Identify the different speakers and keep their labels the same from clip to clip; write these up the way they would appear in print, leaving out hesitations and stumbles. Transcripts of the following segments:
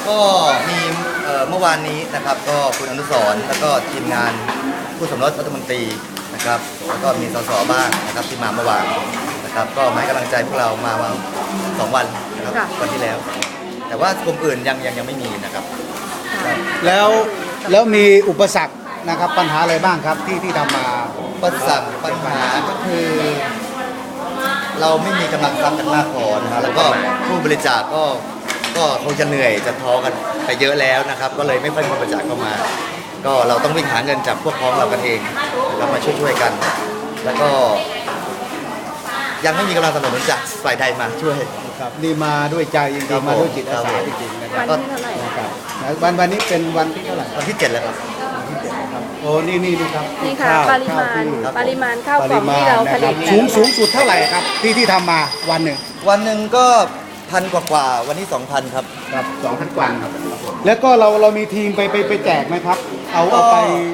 Speaker 1: ก็มีเมื่อวานนี้นะครับก็คุณอนุสรณ์แล้วก็ทีมงานผู้สมรสรัฐมนตรีนะครับแล้วก็มีสสบ้างนะครับที่มาเมื่อวานนะครับก็มาให้กำลังใจพวกเรามาวัน2 วันนะครับวันที่แล้ว แต่ว่ากลุ่มอื่นยังไม่มีนะครับ
Speaker 2: แล้วมีอุปสรรคนะครับปัญหาอะไรบ้างครับที่ทำมา
Speaker 1: ปัญหาก็คือ เราไม่มีกำลังทรัพย์กันมากพอนะฮะแล้วก็ผู้บริจาคก็คงจะเหนื่อยจะท้อกันไปเยอะแล้วนะครับ ก็เลยไม่ค่อยมีบริจาคเข้ามา ก็เราต้องวิ่งหาเงินจากพวกพ้องเรากันเองเรามาช่วยกัน แล้วก็ ยังไม่มีกำลังสนับสนุนจากฝ่ายใดมาช่วย
Speaker 2: ครับนี่มาด้วยใจจริ
Speaker 1: ครั
Speaker 2: ง
Speaker 1: บ
Speaker 2: ๆมาด้วย
Speaker 1: ผม
Speaker 2: จิตอาสาจริงๆนะครับ
Speaker 3: วันที่เท่าไหร่
Speaker 2: ครับวันนี้เป็นวันที่เท่าไหร่
Speaker 1: วันที่ 7 แล้วครับ
Speaker 2: โอ้นี่ครับ
Speaker 3: นี่ค่ะ
Speaker 2: ข้าว
Speaker 3: ปริมาณ
Speaker 2: ข้าวที่
Speaker 3: ปริมาณข้าวกล่องที่เราผลิต
Speaker 2: สูงสุดเท่าไหร่ครับที่ทำมาวันหนึ่ง
Speaker 1: วันหนึ่งก็1,000 กว่าวันนี้ 2,000 ครับ
Speaker 2: ครับ2,000 กว่าครับแล้วก็เรามีทีมไปแจกไหมครับ เอาไป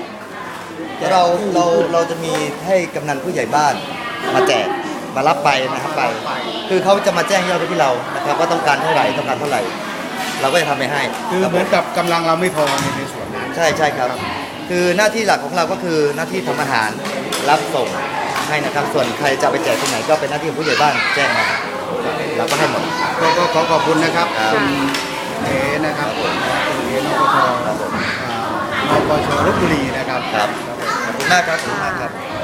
Speaker 1: เราจะมีให้กำนันผู้ใหญ่บ้านมาแจกมารับไปนะครับไป คือเขาจะมาแจ้งยอดไปที่เรานะครับว่าต้องการเท่าไหร่ต้องการเท่าไหร่ เราก็จะทำไปให้
Speaker 2: คือเหมือนกับกำลังเราไม่พอในส่วนนั้น
Speaker 1: ใช่ครับ คือหน้าที่หลักของเราก็คือหน้าที่ทำอาหารรับส่งให้นะครับ ส่วนใครจะเอาไปแจกที่ไหนก็เป็นหน้าที่ของผู้ใหญ่บ้านแจ้งมาเราก็ให้หมด
Speaker 2: ก็ขอขอบคุณนะครับ
Speaker 1: ครับ
Speaker 2: คุณเอนะครับคุณเอนปช
Speaker 1: ครับผม
Speaker 2: นปชลพบุรีนะครับ
Speaker 1: ครับขอบคุณมากครับขอบคุณมากครับ